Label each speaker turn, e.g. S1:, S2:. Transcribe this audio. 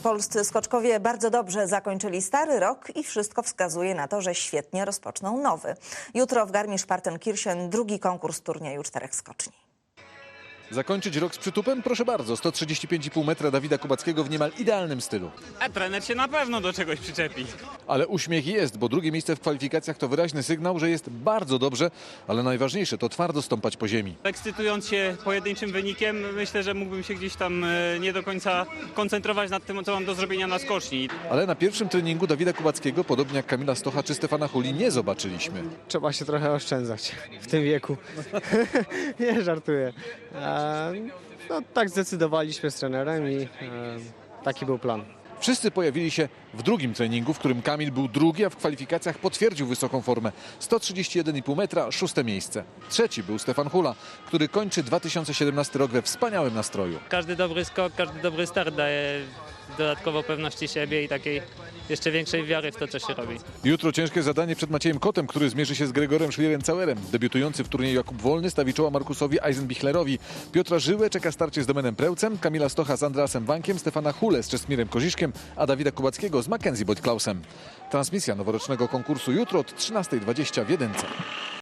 S1: Polscy skoczkowie bardzo dobrze zakończyli stary rok i wszystko wskazuje na to, że świetnie rozpoczną nowy. Jutro w Garmisch-Partenkirchen drugi konkurs turnieju 4 skoczni.
S2: Zakończyć rok z przytupem? Proszę bardzo, 135,5 metra Dawida Kubackiego w niemal idealnym stylu.
S3: A trener się na pewno do czegoś przyczepi.
S2: Ale uśmiech jest, bo drugie miejsce w kwalifikacjach to wyraźny sygnał, że jest bardzo dobrze, ale najważniejsze to twardo stąpać po ziemi.
S3: Ekscytując się pojedynczym wynikiem, myślę, że mógłbym się gdzieś tam nie do końca koncentrować nad tym, co mam do zrobienia na skoczni.
S2: Ale na pierwszym treningu Dawida Kubackiego, podobnie jak Kamila Stocha czy Stefana Huli, nie zobaczyliśmy.
S4: Trzeba się trochę oszczędzać w tym wieku. Nie żartuję. No, tak zdecydowaliśmy z trenerem i taki był plan.
S2: Wszyscy pojawili się w drugim treningu, w którym Kamil był drugi, a w kwalifikacjach potwierdził wysoką formę. 131,5 metra, 6. miejsce. Trzeci był Stefan Hula, który kończy 2017 rok we wspaniałym nastroju.
S5: Każdy dobry skok, każdy dobry start daje dodatkowo pewności siebie i takiej jeszcze większej wiary w to, co się robi.
S2: Jutro ciężkie zadanie przed Maciejem Kotem, który zmierzy się z Gregorem Schlierenzauerem. Debiutujący w turnieju Jakub Wolny stawi czoła Markusowi Eisenbichlerowi. Piotra Żyłę czeka starcie z Domenem Prełcem, Kamila Stocha z Andreasem Wankiem, Stefana Hulę z Czesmirem Koziszkiem, a Dawida Kubackiego z Mackenzie Boyd-Klausem. Transmisja noworocznego konkursu jutro od 13:20 w Jedynce.